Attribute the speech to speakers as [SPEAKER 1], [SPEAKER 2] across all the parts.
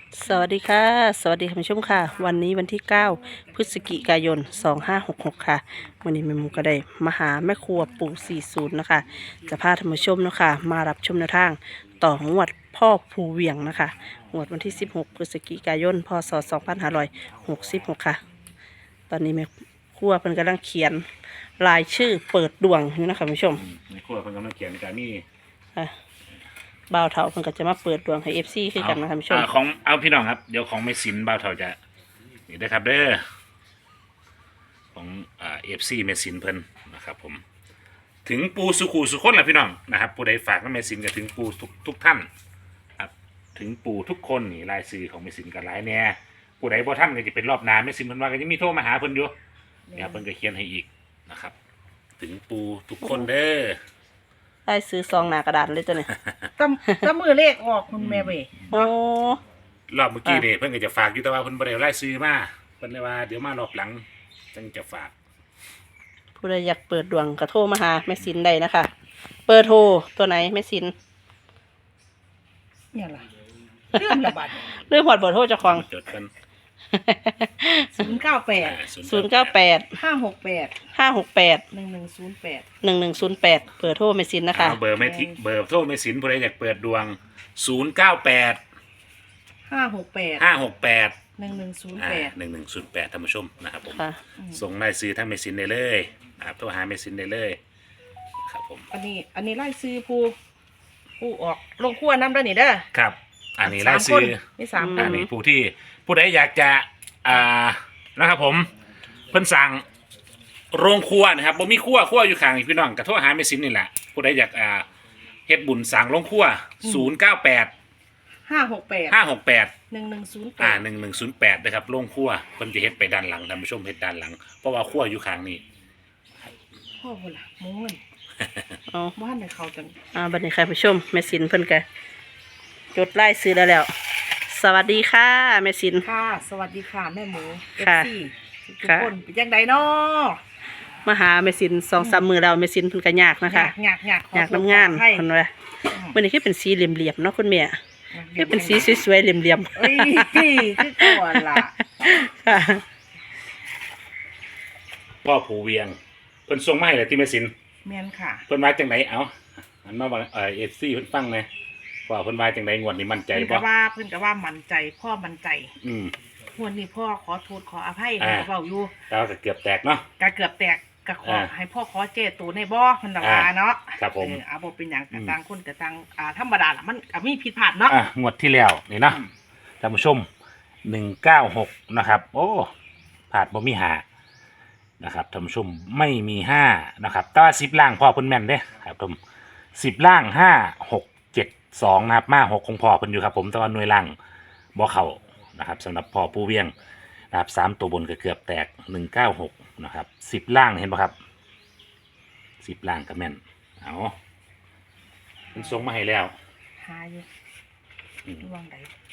[SPEAKER 1] สวัสดีค่ะสวัสดีคุณผู้ชมค่ะวันนี้วันที่9พฤศจิกายน2566ค่ะวันนี้แม่หมูก็ได้มาหาแม่ครัวปู่40นะคะจะพาท่านผู้ชมเนาะคะมารับชมแนวทางต่องวดพ่อภูเวียงนะคะงวดวันที่16พฤศจิกายนพศ2566ค่ะตอนนี้แม่ครัวเพิ่นกำลังเขียนรายชื่อเปิดดวงอยู่นะคะคุณผู้ชม
[SPEAKER 2] ในครัวเพิ่นกำลังเขียนการมี
[SPEAKER 1] ค่ะบ่าวเฒ่าเพิ่นก็จะมาเปิดดวงให้ FC คือกันนะคะคุณผู้ชม
[SPEAKER 2] ของเอาพี่น้องครับเดี๋ยวของไม่สินบ่าวเฒ่าจะนี่ได้ครับเด้อของFC เมสินเพิ่นนะครับผมถึงปูสุขุสุคนล่ะพี่น้องนะครับผู้ใดฝากกับเมสินก็ถึงปูทุกท่านครับถึงปูทุกคนนี่รายชื่อของเมสินก็หลายแน่ผู้ใดบ่ท่านก็จะเป็นรอบหน้าเมสินเพิ่นว่าก็จะมีโทรมาหาเพิ่นอยู่เนี่ยเพิ่นก็เขียนให้อีกนะครับถึงปูทุกคนเด้อ
[SPEAKER 1] ได้ซื้อซองหนากระดาษเลยตัวนี้
[SPEAKER 3] ตะมือเลขออกคุณแม่เว้ย
[SPEAKER 1] โอ้
[SPEAKER 2] รอบเมื่อกี้เนี่ยเพิ่นก็จะฝากอยู่แต่ว่าเพิ่นบ่ได้ไล่ซื้อมาเพิ่นเลยว่าเดี๋ยวมารอบหลังจังจะฝาก
[SPEAKER 1] ผู้ใดอยากเปิดดวงก็โทรมาหาแม่สินได้นะคะเปิดโทรตัวไหนแม่สิน
[SPEAKER 3] เนี่ยล่ะเรื่องระบาด
[SPEAKER 1] เรื่องหอดเบอร์โทรเจ้าของ
[SPEAKER 2] จดกัน
[SPEAKER 3] 098
[SPEAKER 1] 098
[SPEAKER 3] 568
[SPEAKER 1] 568
[SPEAKER 3] 1108
[SPEAKER 1] 1108เปิดโทรแม่สินนะคะ
[SPEAKER 2] เบอร์ไม่ทิเบอร์โทรไม่สินผู้ใดอยากเปิดดวง098
[SPEAKER 3] 568
[SPEAKER 2] 568
[SPEAKER 3] 1108
[SPEAKER 2] 1108ท่านผู้ชมนะครับผม
[SPEAKER 1] ค่ะ
[SPEAKER 2] ส่งรายซื้อทางเมสินได้เลยนะครับโทรหาเมสินได้เลยครับผม
[SPEAKER 3] อันนี้ไล่ซื้อผู้ออกลงครัวน้ำด้านนี่เด้อ
[SPEAKER 2] ครับอันนี้รายซื้อ
[SPEAKER 3] มี3ค
[SPEAKER 2] อัน
[SPEAKER 3] น
[SPEAKER 2] นี้ผู้ใดอยากจะนะครับผมเพิ่นสั่งโรงครัวนะครับบ่มีครัวอยู่ข้างพี่น้องก็โทรหาแม่ซินนี่แหละผู้ใดอยากเฮ็ดบุญสั่งโรงครัว098
[SPEAKER 3] 568
[SPEAKER 2] 568
[SPEAKER 3] 1108
[SPEAKER 2] 1108นะครับโรงครัวเพิ่นจะเฮ็ดไปด้านหลังท่านผู้ชมเฮ็ดด้านหลังเพราะว่าครัวอยู่ข้างนี้
[SPEAKER 3] พ่อพุ่นล่ะโม้น
[SPEAKER 1] เอา
[SPEAKER 3] บ้านในเขาจัง
[SPEAKER 1] บัดนี้ค่ะผู้ชมแม่สินเพิ่นก็จดไล่ซื้อแล้วสวัสดีค่ะแม่สิน
[SPEAKER 3] ค่ะสวัสดีค่ะแม่หมู
[SPEAKER 1] ค่ะ
[SPEAKER 3] FC ทุก
[SPEAKER 1] ค่ะ
[SPEAKER 3] คนเป็นจังไดเนาะ
[SPEAKER 1] มาหาแม่สิน2-3 มื้อแล้วแม่สินเพิ่นก็ยากนะคะ
[SPEAKER 3] อยาก
[SPEAKER 1] อยากน้ำงานเพิ่นว่ามื้อนี้คือเป็นสีเหลี่ยมๆเนาะคุณแม่คือเป็นสีสวยๆเหลี่ยม
[SPEAKER 3] เอ้ยคือก่อนล่ะ
[SPEAKER 1] ๆค่ะ
[SPEAKER 2] พ่อผูเวียงเพิ่นส่งมาให้เลยที่แม่สิน
[SPEAKER 3] แม่นค่ะ
[SPEAKER 2] เพิ่นว่าจังไดเอาอันมาว่าFC เพิ่นฟังแหน่ว่าเพิ่นว่าจังไดงวดนี้มั่นใจ
[SPEAKER 3] เพิ่น
[SPEAKER 2] บ่
[SPEAKER 3] ก็ว่ามั่นใจพ่อมั่นใจ
[SPEAKER 2] อืม
[SPEAKER 3] งวดนี้พ่อขอโทษขออภัย
[SPEAKER 2] อ่า
[SPEAKER 3] เว้าอยู่
[SPEAKER 2] แล้วก็เกือบแตกเนาะ
[SPEAKER 3] ก็เกือบแตกก็ขอ
[SPEAKER 2] อ่า
[SPEAKER 3] ให้พ่อขอเจตูในบ่เพิ่นน่ะว่าเนาะ
[SPEAKER 2] ครับผม
[SPEAKER 3] เอาบ่เป็นหยัง
[SPEAKER 2] อื
[SPEAKER 3] ก็
[SPEAKER 2] ม
[SPEAKER 3] ต่างคนก็ต่างธรรมดาล่ะมันก็มีผิดพลาดเนาะ
[SPEAKER 2] งวดที่แล้วนี่เนาะท่านผู้ชม196นะครับ โอ้ผาดบ่มีหานะครับท่านผู้ชมไม่มี5นะครับแต่ว่า10ล่างพ่อเพิ่นแม่นเด้ครับผม10ล่าง5 6 7 2นะครับมา6ของพ่อเพิ่นอยู่ครับผมแต่ว่าหน่วยล่างบ่เข้านะครับสำหรับพ่อผู้เวียงนะครับ3ตัวบนก็เกือบแตก196นะครับ10ล่างเห็นบ่ครับ10ล่างก็แม่นเอาเพิ่นส่งมาให้แล้ว
[SPEAKER 3] หาอยู่
[SPEAKER 2] อืม
[SPEAKER 3] ระวังใด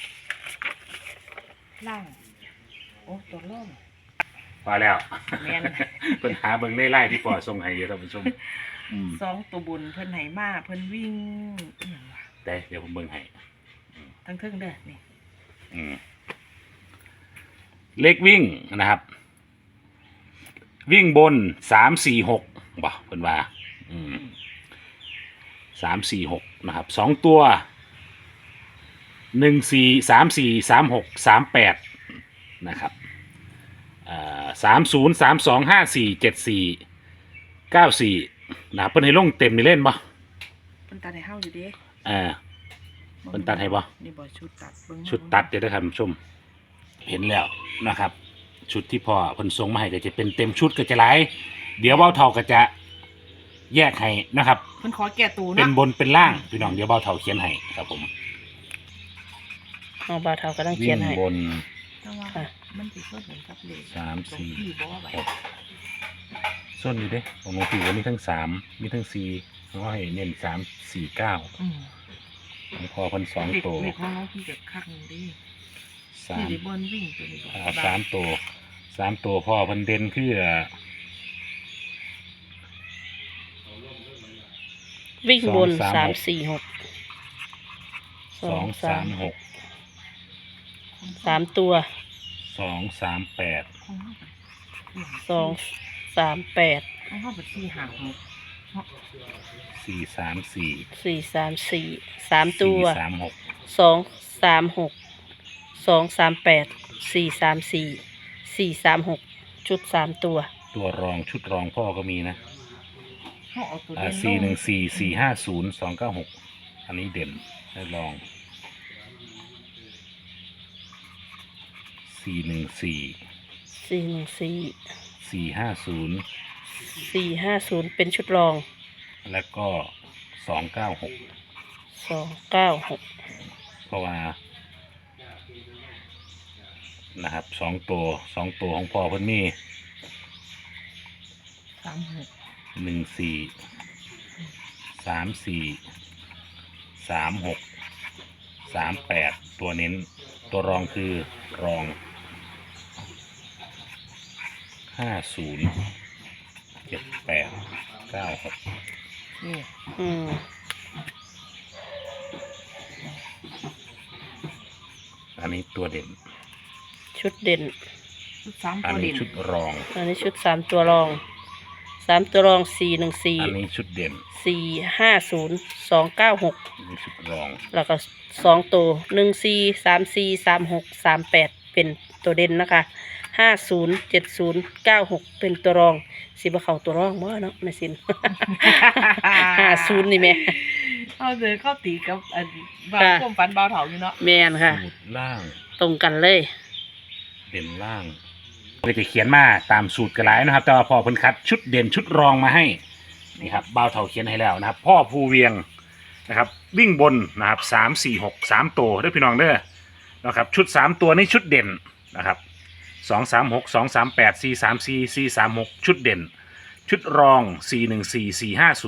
[SPEAKER 3] ล่างโอ้ตัวล่อง
[SPEAKER 2] พอแล้ว
[SPEAKER 3] แม่น
[SPEAKER 2] เพิ่นหาเบิ่งในไล่ที่ปอส่งให้อยู่ท่านผู้ชมอืม
[SPEAKER 3] 2ตัวบุญเพิ่นให้มาเพิ่นวิ่งอีหยังวะ
[SPEAKER 2] ได้เดี๋ยวผมเบิ่งให้
[SPEAKER 3] ทั้งเทิงเด้อนี่
[SPEAKER 2] อืมเลขวิ่งนะครับ วิ่งบน3-4-6บ่เพิ่นว่าอืม3-4-6นะครับ2ตัว1-4 3-4 3-6 3-8นะครับ30 32 54 74 94นะครับเพิ่นให้ลงเต็มนี่เล่นบ่
[SPEAKER 3] เพิ่นตัดให้เฮาอยู่เด้
[SPEAKER 2] เพิ่นตัดให้บ่
[SPEAKER 3] นี่บ่ชุดตัดเบิ่ง
[SPEAKER 2] ชุดตัดเดี๋ยวนะครับชมเห็นแล้วนะครับ ชุดที่พ่อเพิ่นส่งมาให้ก็จะเป็นเต็มชุดก็จะหลายเดี๋ยวเบ้าเท่าก็จะแยกให้นะครับ
[SPEAKER 3] เพิ่นขอแก้ตู
[SPEAKER 2] เป็น
[SPEAKER 3] เนาะ
[SPEAKER 2] บนเป็นล่างพี่น้องเดี๋ยวเบ้าเท่าเขียนให้ครับผม
[SPEAKER 1] เอาบ่าวเฒ่าก็ต้องเขียนให้
[SPEAKER 2] บน
[SPEAKER 3] แต่ว่า
[SPEAKER 1] ค่ะ
[SPEAKER 3] มันสิส่วนเหมือนกับเลข
[SPEAKER 2] 3 4
[SPEAKER 3] ที่บ่ว่าไว้
[SPEAKER 2] ส่วนนี้เด้ของหลวงปู่มีทั้ง3มีทั้ง4เขาให้เน้น3 4 9
[SPEAKER 3] อืม
[SPEAKER 2] ของพ่อเพิ่น2ตัว
[SPEAKER 3] เลขของน้องพี่ก็คักนึงเดิที่ได้บอลวิ่งตัวนี้บ่
[SPEAKER 2] 3 ตัวพ่อเพิ่นเด่นคือ
[SPEAKER 1] วิ่งบน
[SPEAKER 2] 2 3 6
[SPEAKER 1] 3-4-6
[SPEAKER 2] 2 3 6
[SPEAKER 1] 3 ตัว
[SPEAKER 2] 238
[SPEAKER 3] ของเขาเป็น
[SPEAKER 1] 238
[SPEAKER 3] ของเขาเป็นสี่หางหก
[SPEAKER 2] 434
[SPEAKER 1] 434 3 ตัว
[SPEAKER 2] 436
[SPEAKER 1] 236 238 434 436 ชุด 3 ตัว
[SPEAKER 2] ตัวรองชุดรองพ่อก็มีนะ
[SPEAKER 3] เขาเอาตัวเด่นลง
[SPEAKER 2] 414 450 296อันนี้เด่นได้ลอง 414
[SPEAKER 1] 414
[SPEAKER 2] 450
[SPEAKER 1] 450 เป็นชุดรอง
[SPEAKER 2] แล้วก็ 296
[SPEAKER 1] 296
[SPEAKER 2] เพราะว่านะครับ2 ตัวของพ่อเพิ่นมี
[SPEAKER 3] 36
[SPEAKER 2] 14 34 36 38ตัวเน้นตัวรองคือรอง 50 78 96
[SPEAKER 3] นี่
[SPEAKER 1] อืม
[SPEAKER 2] อันนี้ตัวเด่น
[SPEAKER 1] ชุดเด่น
[SPEAKER 3] ชุดสาม
[SPEAKER 2] อัน
[SPEAKER 3] ตัว
[SPEAKER 2] นี้
[SPEAKER 3] เด่น
[SPEAKER 2] ชุดรอง
[SPEAKER 1] อันนี้ชุด 3 ตัวรอง 3 ตัวรอง
[SPEAKER 2] อันนี้ชุดเด่น
[SPEAKER 1] 414 450 296
[SPEAKER 2] อันนี้ชุดรอง
[SPEAKER 1] แล้วก็2 ตัว 14 34 36 38 เป็นตัวเด่นนะคะ 50 70 96 เป็นตัวรอง สิบ่เข้าตัวรองบ่เนาะแม่สิน 50 นี่แม่
[SPEAKER 3] เอาเดินเข้าตีกับอันบาว
[SPEAKER 1] ค่ะ
[SPEAKER 3] ก้มฟันบาวเถาอยู่เนาะ
[SPEAKER 1] แม่นค่ะ
[SPEAKER 2] สูตรล่าง
[SPEAKER 1] ตรงกันเลย
[SPEAKER 2] เด่นล่างเลยจะเขียนมาตามสูตรกระไรนะครับ แต่ว่าพ่อเพิ่นคัดชุดเด่นชุดรองมาให้นี่ครับบ่าวเถาเขียนให้แล้วนะครับ พ่อภูเวียงนะครับ วิ่งบนนะครับ3 4 6 3ตัวเด้อพี่น้องเด้อนะครับชุด3ตัวนี่ชุดเด่นนะครับ236 238 434 436ชุดเด่น ชุดรอง414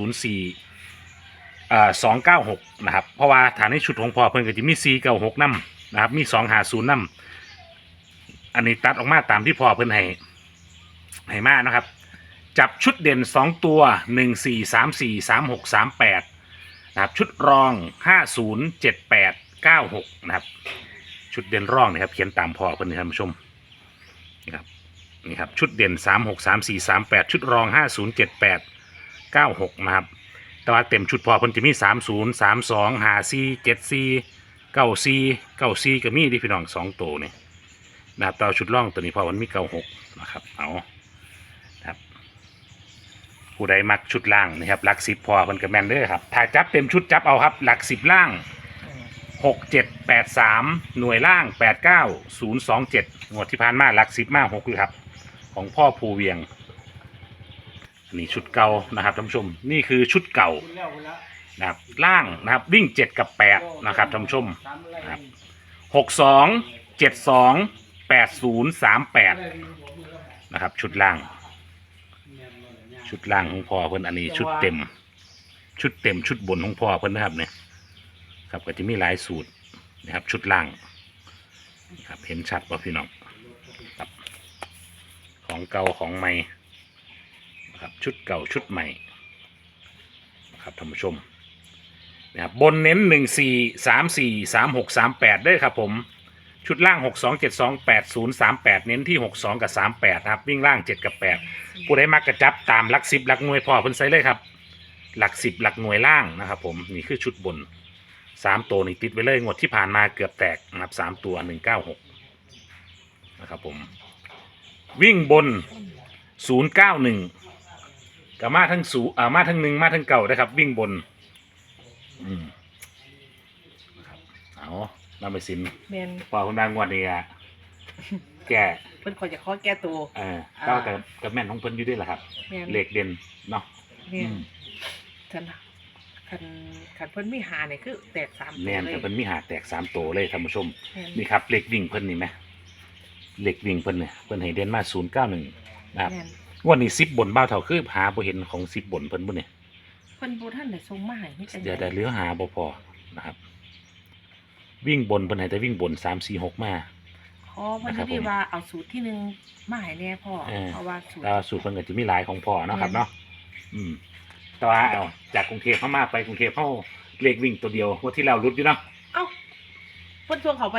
[SPEAKER 2] 4504 296นะครับเพราะว่าฐานในชุดของพ่อเพิ่นก็จะมี496นํนะครับมี250นํอันนี้ตัดออกมาตามที่พ่อเพิ่นให้มานะครับ จับชุดเด่น2ตัว1434 36 38นะครับชุดรอง50 78 96นะครับชุดเด่นรองนะครับเขียนตามพ่อเพิ่นนี่ท่านผู้ชมนี่ครับชุดเด่น36 34 38ชุดรอง50 78 96นะครับแต่ว่าเต็มชุดพอเพิ่นจะมี30 32 54 74 94 94ก็มีที่พี่น้อง2ตัวนี่นะครับแต่ชุดร่องตัวนี้พอมันมี96นะครับเอาครับผู้ใดมักชุดล่างนะครับหลัก10พอเพิ่นก็แม่นเด้อครับถ้าจับเต็มชุดจับเอาครับหลัก10ล่าง6 7 8 3หน่วยล่าง8 9 0 2 7งวดที่ผ่านมาหลัก10มา6เลยครับของพ่อภูเวียงอันนี้ชุดเก่านะครับท่านผู้ชมนี่คือชุดเก่านะครับล่างนะครับวิ่ง7กับ8นะครับท่านผู้ชมนะครับ62 72 80 38นะครับชุดล่างของพ่อเพิ่นอันนี้ชุดเต็มชุดบนของพ่อเพิ่นนะครับเนี่ยครับก็จะมีหลายสูตรนะครับชุดล่างครับเห็นชัดป่ะพี่น้องครับของเก่าของใหม่นะครับชุดเก่าชุดใหม่นะครับท่านผู้ชมนะครับบนเน้น14 34 36 38ได้ครับผมชุดล่าง62 72 80 38เน้นที่62กับ38นะครับวิ่งล่าง7กับ8ผู้ใดมักกระจับตามหลัก10หลักหน่วยพ่อเพิ่นใส่เลยครับหลัก10หลักหน่วยล่างนะครับผมนี่คือชุดบน3ตัวนี่ติดไปเลยงวดที่ผ่านมาเกือบแตกนะครับ3ตัว196นะครับผมวิ่งบน091กับมาทั้งมาทั้ง1มาทั้งเก่านะครับวิ่งบนนะครับเอานำไปสิน
[SPEAKER 3] แมน
[SPEAKER 2] พอคุณนางงวดนี้อะแก่
[SPEAKER 3] เพิ่นขอจะขอแก้ตัว
[SPEAKER 2] ก็กับแม่นของเพิ่นอยู่ด้วยแหละครับ
[SPEAKER 3] แมน
[SPEAKER 2] เหล็กเด่นเนาะ
[SPEAKER 3] แมนฉันคันเพิ่นมีหาเนี่ยคือแตก3ตัว
[SPEAKER 2] แม่น
[SPEAKER 3] เลย
[SPEAKER 2] แต่เพิ่นมีหาแตก3ตัวเลยท่านผู้ชม
[SPEAKER 3] แม่น
[SPEAKER 2] นี่ครับเหล็กวิ่งเพิ่นนี่ไหมเหล็กวิ่งเพิ่นเนี่ยเพิ่นให้เด่นมา091นะครับ
[SPEAKER 3] แม่น
[SPEAKER 2] งวันนี้10บนบ้าวเท่าคือหาบ่เห็นของ10บนเพิ่นบ่เนี่ย
[SPEAKER 3] เพิ่นบ่ทันได้ส่งมาให้นี่จัง
[SPEAKER 2] เดี๋ยวเหลือหาบ่พอนะครับ วิ่งบนเพิ่นให้แต่วิ่งบน3 4 6มา
[SPEAKER 3] ขอเพิ่นที่ว่าเอาสูตรที่หนึ่งมาให้แน่พ่อเพราะว่าสูตร
[SPEAKER 2] แล้วสูตรเพิ่นก็จะมีหลายของพ่อเนาะครับเนาะแต่ว่าเอาจากกรุงเทพเข้ามาไปกรุงเทพเข้าเลขวิ่งตัวเดียวงวันที่แล้วรุดอยู่เนาะ
[SPEAKER 3] เอ้าเพิ่นส่งเขาไป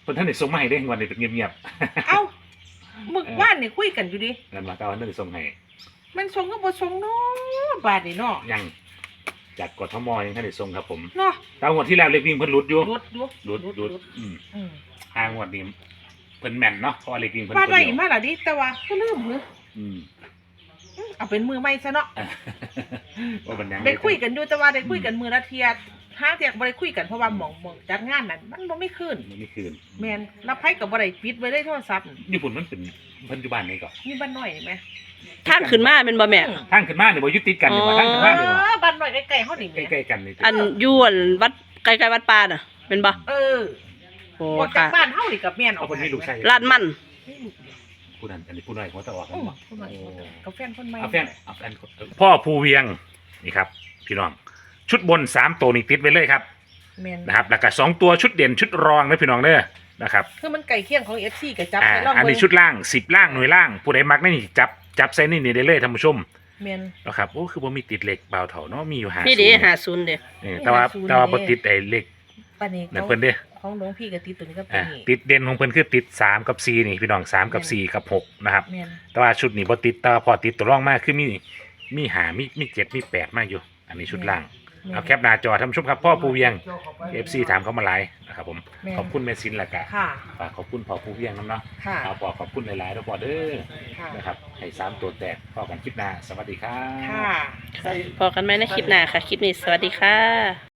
[SPEAKER 2] คนท่านได้ส่งมาให้ได้วันนี้เป็นเงียบ
[SPEAKER 3] เอ้ามึกว่านนี่คุยกันอยู่ดิ
[SPEAKER 2] ๆนั่นมาแต่ว่าท่านได้ส่งให้
[SPEAKER 3] มันชงก็บ่ชงเนาะบาดนี่เนาะ
[SPEAKER 2] ยังจากกทมยังท่านได้ส่งครับผม
[SPEAKER 3] เนาะ
[SPEAKER 2] แต่งวดที่แล้วเลขวิ่งเพิ่นหลุดอยู่
[SPEAKER 3] รุด
[SPEAKER 2] หลุด
[SPEAKER 3] อืม
[SPEAKER 2] ห้างวดนี้เพิ่นแม่นเนาะเพราะว่าเลขวิ่งเพิ่น
[SPEAKER 3] บาด
[SPEAKER 2] ตัว
[SPEAKER 3] ได้
[SPEAKER 2] เดียว
[SPEAKER 3] มาล่ะดิแต่ว่าก็ลืมเหรอ
[SPEAKER 2] อืม
[SPEAKER 3] เอาเป็นมือใหม่ซะเนาะ
[SPEAKER 2] ว่ามันยัง
[SPEAKER 3] ได้คุยกันอยู่แต่ว่าได้คุยกันมือละเทียห้าเทียบ่ได้คุยกันเพราะว่าหม่องจัดงานนั้นมันบ่มีคืน
[SPEAKER 2] มันไม่คืน
[SPEAKER 3] แม่นรับไผก็บ่ได้ปิดไว้ในโทรศัพท์
[SPEAKER 2] ญี่ปุ่นมันเป็นปัจจุบันนี้ก่อน
[SPEAKER 3] มีบ้านน้อยนี่แม่
[SPEAKER 1] ทางขึ้นมาเป็นบ่แม่
[SPEAKER 2] ทางขึ้นมาเนี่ยบ่ยึดติดกันเนี่ยว่าทางขึ้นมาเนี่ยว่า
[SPEAKER 3] บ้านน้อยใกล้ๆเฮานี่แม่
[SPEAKER 2] ใกล้ๆกันนี่
[SPEAKER 1] อันอยวนวัดใกล้ๆวัดป่าน่ะเป็นบ่
[SPEAKER 3] เออ
[SPEAKER 1] โอ้
[SPEAKER 3] ออกจาก
[SPEAKER 1] ค่ะ
[SPEAKER 3] บ้านเฮานี่กับแม่นอ
[SPEAKER 2] เอา
[SPEAKER 3] อก
[SPEAKER 2] คนนี้ลูกชาย
[SPEAKER 1] ลาดมัน
[SPEAKER 2] ผู้นั้นอันนี้ผู้น้อยหัวตะออกกันบ่
[SPEAKER 3] คนน้อยกับแฟนคนใหม่
[SPEAKER 2] เอาแฟนพ่อภูเวียงนี่ครับพี่น้องชุดบน3ตัวนี่ติดไว้เลยครับ
[SPEAKER 3] แม่น
[SPEAKER 2] นะครับแล้วก็2ตัวชุดเด่นชุดรองนะพี่น้องเด้อนะครับ
[SPEAKER 3] คือมันใกล้เคียงของ FC ก็จับ
[SPEAKER 2] อ่า
[SPEAKER 3] ไปลอง
[SPEAKER 2] อัน
[SPEAKER 3] เบิ่
[SPEAKER 2] นี้
[SPEAKER 3] ง
[SPEAKER 2] ชุดล่าง10ล่างหน่วยล่างผู้ใดมักนี่จับใส่นี่ได้เลยท่านผู้ชม
[SPEAKER 3] แม่น
[SPEAKER 2] นะครับโอ้คือบ่มีติดเหล็กเบาเถาเนาะมีอยู่50
[SPEAKER 1] นี่เด้50เด้
[SPEAKER 2] แต่ว่าบ่ติดไอ้เหล็ก
[SPEAKER 3] ปานนี้
[SPEAKER 2] นั่นเพิ่นเด้อ
[SPEAKER 3] ของหลวงพี่ก็ติดตัวนี้ก็เป็
[SPEAKER 2] อ่ะ
[SPEAKER 3] นนี่
[SPEAKER 2] ติดเด่นของเพิ่นคือติด3กับ4นี่พี่น้อง3กับ4กับ6นะครับ
[SPEAKER 3] แม่น
[SPEAKER 2] แต่ว่าชุดนี้บ่ติดแต่ว่าพอติดตัวรองมากคือมีหามี7มี8มาอยู่ อันนี้ชุดล่างเอาแคปหน้าจอท่านผู้ชมครับพ่อภูเวียง FC ถามเขามาหลายนะครับผม
[SPEAKER 3] แม่น
[SPEAKER 2] ขอบคุณแม่ซินและกะ
[SPEAKER 3] ค่ะ
[SPEAKER 2] ฝากขอบคุณพ่อภูเวียงนำเนาะ
[SPEAKER 3] ค่ะ
[SPEAKER 2] เอาพ่อขอบคุณหลายๆแล้วพ่อเด้อ
[SPEAKER 3] ค่ะ
[SPEAKER 2] นะครับให้3ตัวแตกพ่อกันคลิปหน้าสวัสดีครับ
[SPEAKER 3] ค่ะ
[SPEAKER 1] พอกันไหมในคลิปหน้าค่ะ คลิปนี้สวัสดีค่ะ